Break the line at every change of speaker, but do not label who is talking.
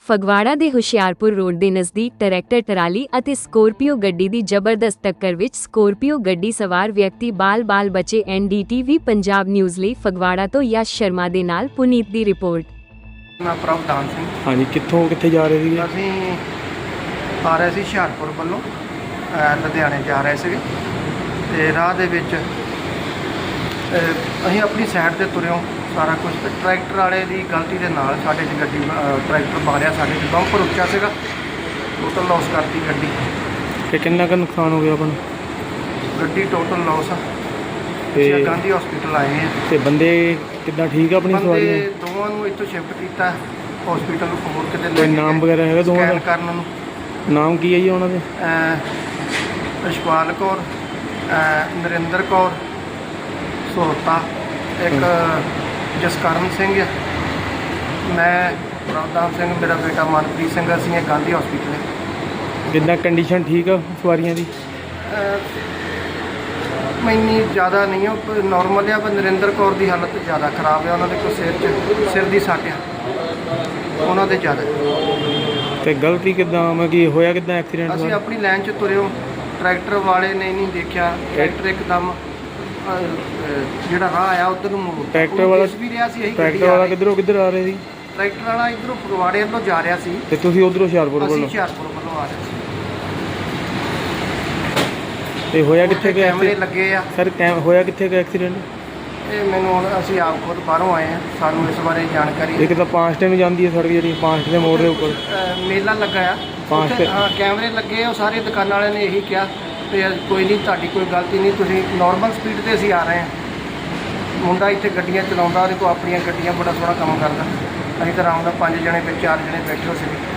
ਫਗਵਾੜਾ ਦੇ ਹੁਸ਼ਿਆਰਪੁਰ ਰੋਡ ਦੇ ਨਜ਼ਦੀਕ ਟਰੈਕਟਰ ਟਰਾਲੀ ਅਤੇ ਸਕੋਰਪੀਓ ਗੱਡੀ ਦੀ ਜ਼ਬਰਦਸਤ ਟੱਕਰ ਵਿੱਚ ਸਕੋਰਪੀਓ ਗੱਡੀ ਸਵਾਰ ਵਿਅਕਤੀ ਬਾਲ-ਬਾਲ ਬਚੇ। NDTV ਪੰਜਾਬ ਨਿਊਜ਼ ਲਈ ਫਗਵਾੜਾ ਤੋਂ ਯਸ਼ ਸ਼ਰਮਾ ਦੇ ਨਾਲ ਪੁਨੀਤ ਦੀ ਰਿਪੋਰਟ।
ਮੈਂ ਪ੍ਰਭਦਾਨ ਸਿੰਘ।
ਹਾਂਜੀ, ਕਿੱਥੇ ਜਾ ਰਹੇ ਸੀ?
ਅਸੀਂ ਆ ਰਹੇ ਸੀ ਹੁਸ਼ਿਆਰਪੁਰ ਵੱਲੋਂ ਲੁਧਿਆਣੇ ਜਾ ਰਹੇ ਸੀਗੇ ਤੇ ਰਾਹ ਦੇ ਵਿੱਚ ਅਸੀਂ ਆਪਣੀ ਸਾਈਡ ਤੇ ਤੁਰਿਓ ਸਾਰਾ ਕੁਝ। ਟਰੈਕਟਰ ਵਾਲੇ ਦੀ ਗਲਤੀ ਦੇ ਨਾਲ ਸਾਡੇ 'ਚ ਗੱਡੀ ਟਰੈਕਟਰ ਮਾਰਿਆ, ਸਾਡੇ 'ਚ ਬੰਪਰ ਉੱਚਾ ਸੀਗਾ, ਟੋਟਲ ਲਾਸ ਕਰਤੀ ਗੱਡੀ।
ਤੇ ਕਿੰਨਾ ਕੁ ਨੁਕਸਾਨ ਹੋ ਗਿਆ ਆਪਣਾ?
ਗੱਡੀ ਟੋਟਲ ਲਾਸ ਆ।
ਤੇ
ਗਾਂਧੀ ਹਸਪੀਟਲ ਆਏ ਆ।
ਤੇ ਬੰਦੇ ਕਿੱਦਾਂ ਠੀਕ ਆ? ਆਪਣੀ ਸਵਾਰੀਆਂ
ਬੰਦੇ ਦੋਵਾਂ ਨੂੰ ਇੱਥੋਂ ਸ਼ਿਫਟ ਕੀਤਾ ਹਸਪੀਟਲ ਨੂੰ, ਹੋਰ ਕਿਤੇ
ਕੋਈ ਨਾਮ ਵਗੈਰਾ ਹੈਗਾ ਦੋਵਾਂ ਦਾ?
ਕਰਨ ਨੂੰ
ਨਾਮ ਕੀ ਹੈ ਜੀ ਉਹਨਾਂ ਦੇ?
ਰਸ਼ਪਾਲ ਕੌਰ, ਨਰਿੰਦਰ ਕੌਰ ਸੋਹਤਾ, ਇੱਕ ਜਸਕਰਨ ਸਿੰਘ ਆ, ਮੈਂ ਪ੍ਰਭਦਾਨ ਸਿੰਘ, ਮੇਰਾ ਬੇਟਾ ਮਨਪ੍ਰੀਤ ਸਿੰਘ। ਅਸੀਂ ਇਹ ਗਾਂਧੀ ਹਸਪੀਟਲ।
ਕਿੱਦਾਂ ਕੰਡੀਸ਼ਨ ਠੀਕ ਆ ਸਵਾਰੀਆਂ ਦੀ?
ਇੰਨੀ ਜ਼ਿਆਦਾ ਨਹੀਂ ਆ, ਨੋਰਮਲ ਆ, ਪਰ ਨਰਿੰਦਰ ਕੌਰ ਦੀ ਹਾਲਤ ਜ਼ਿਆਦਾ ਖਰਾਬ ਆ। ਉਹਨਾਂ ਦੇ ਕੋਈ ਸਿਰ ਦੀ ਸੱਟ ਆ, ਉਹਨਾਂ ਦੇ ਜ਼ਿਆਦਾ।
ਤੇ ਗਲਤੀ ਕਿੱਦਾਂ ਕੀ ਹੋਇਆ? ਕਿੱਦਾਂ ਐਕਸੀਡੈਂਟ?
ਅਸੀਂ ਆਪਣੀ ਲਾਈਨ 'ਚ ਤੁਰਿਓ, ਟਰੈਕਟਰ ਵਾਲੇ ਨੇ ਨਹੀਂ ਦੇਖਿਆ, ਟਰੈਕਟਰ ਇੱਕਦਮ ਜਿਹੜਾ ਰਾਹ ਆਇਆ ਉਧਰ ਨੂੰ ਮੋੜ।
ਟਰੈਕਟਰ ਵਾਲਾ
ਵੀ ਰਿਹਾ ਸੀ,
ਟਰੈਕਟਰ ਵਾਲਾ ਕਿੱਧਰ ਆ ਰਹੇ ਸੀ?
ਟਰੈਕਟਰ ਵਾਲਾ ਇੱਧਰੋਂ ਫਗਵਾੜੇ ਵੱਲੋਂ ਜਾ ਰਿਹਾ ਸੀ
ਤੇ ਤੁਸੀਂ ਉਧਰੋਂ ਹੁਸ਼ਿਆਰਪੁਰ
ਅਸੀਂ
ਵੱਲੋਂ?
ਹੁਸ਼ਿਆਰਪੁਰ ਵੱਲੋਂ ਆ ਰਹੇ ਸੀ।
ਤੇ ਹੋਇਆ ਕਿੱਥੇ ਗਿਆ?
ਕੈਮਰੇ ਲੱਗੇ ਆ
ਸਰ ਹੋਇਆ ਕਿੱਥੇ ਗਿਆ ਐਕਸੀਡੈਂਟ?
ਇਹ ਮੈਨੂੰ ਹੁਣ ਅਸੀਂ ਆਪ ਖੁਦ ਬਾਹਰੋਂ ਆਏ ਆ, ਸਾਨੂੰ ਇਸ ਬਾਰੇ ਜਾਣਕਾਰੀ।
ਇੱਕ ਤਾਂ ਪਾਂਸਟੇ ਨੂੰ ਜਾਂਦੀ ਹੈ ਸੜਕ, ਜਿਹੜੀ ਪਾਂਸਟੇ ਦੇ ਮੋੜ ਦੇ ਉੱਪਰ
ਮੇਲਾ ਲੱਗਾ ਆ, ਉੱਥੇ ਹਾਂ ਕੈਮਰੇ ਲੱਗੇ ਆ। ਉਹ ਸਾਰੇ ਦੁਕਾਨਾਂ ਵਾਲਿਆਂ ਨੇ ਇਹੀ ਕਿਹਾ ਵੀ ਕੋਈ ਨਹੀਂ, ਤੁਹਾਡੀ ਕੋਈ ਗਲਤੀ ਨਹੀਂ, ਤੁਸੀਂ ਨਾਰਮਲ ਸਪੀਡ 'ਤੇ ਅਸੀਂ ਆ ਰਹੇ ਹਾਂ। ਮੁੰਡਾ ਇੱਥੇ ਗੱਡੀਆਂ ਚਲਾਉਂਦਾ, ਉਹਦੇ ਕੋਲ ਆਪਣੀਆਂ ਗੱਡੀਆਂ, ਬੜਾ ਸੋਹਣਾ ਕੰਮ ਕਰਦਾ। ਅਸੀਂ ਤਾਂ ਆਰਾਮ ਨਾਲ 5 ਜਣੇ ਵਿੱਚ 4 ਜਣੇ ਬੈਠੇ ਹੋ ਸੀ।